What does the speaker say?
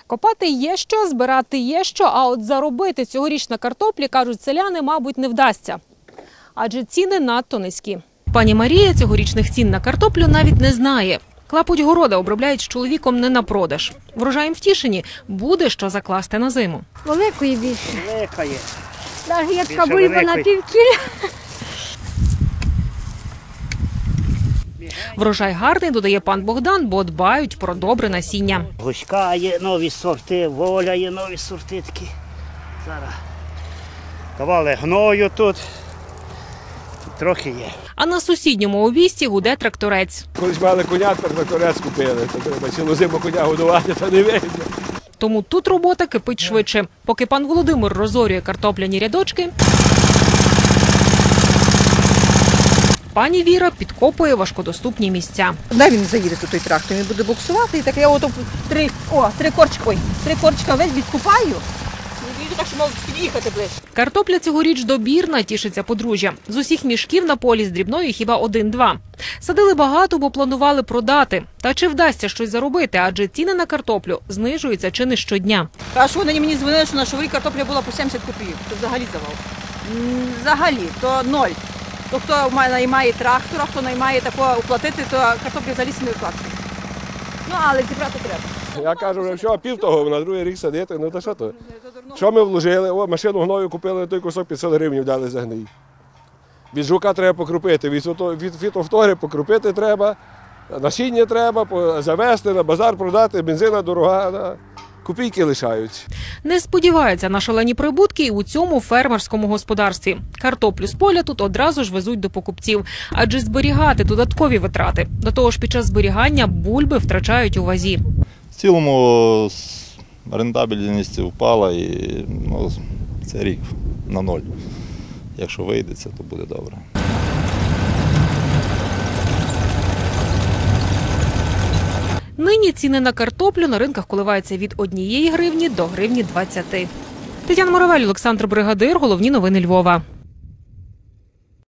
Копати є що, збирати є що, а от заробити цьогоріч на картоплі, кажуть селяни, мабуть, не вдасться. Адже ціни надто низькі. Пані Марія цьогорічних цін на картоплю навіть не знає. Клапоть города обробляють з чоловіком не на продаж. Врожаєм втішені, буде що закласти на зиму. Великої більше. Великої. Навіть є така Більше бульба на великої. півкіля. Врожай гарний, додає пан Богдан, бо дбають про добре насіння. Гуська є нові сорти, воля є нові сорти такі. Зараз давали гною тут. Трохи є. А на сусідньому обійсті гуде тракторець. Колись мали коня, тепер тракторець купили. То треба цілу зиму коня годувати, та не вийде. Тому тут робота кипить швидше. Поки пан Володимир розорює картопляні рядочки, пані Віра підкопує важкодоступні місця. Де він заїде тут той трактор, він буде буксувати, і так я ото три корчика весь відкупаю. І так, що можу під'їхати ближче. Картопля цьогоріч добірна, тішиться подружжя. З усіх мішків на полі з дрібною хіба 1-2. Садили багато, бо планували продати. Та чи вдасться щось заробити, адже ціни на картоплю знижуються чи не щодня. А що вони мені дзвонили, що на шоврі картопля була по 70 копійок, то взагалі завал. Взагалі, то ноль. То хто наймає трактора, хто наймає такого оплатити, то картоплю взагалі не виплатить. Ну, але зібрати треба. Я кажу, вже що, пів того, на другий рік садити, ну то що то? Що ми вложили? О, машину гною купили, той кусок 500 гривень дали за гній. Від жука треба покрупити, від фітофтори покрупити треба, насіння треба, завести, на базар продати, бензина дорога, копійки лишаються. Не сподіваються на шалені прибутки і у цьому фермерському господарстві. Картоплю з поля тут одразу ж везуть до покупців, адже зберігати додаткові витрати. До того ж, під час зберігання бульби втрачають у вазі. В цілому рентабельність впала і це рік на ноль. Якщо вийде, то буде добре. Нині ціни на картоплю на ринках коливаються від 1 гривні до 1,20 гривні. Тетяна Моравель, Олександр Бригадир. Головні новини Львова.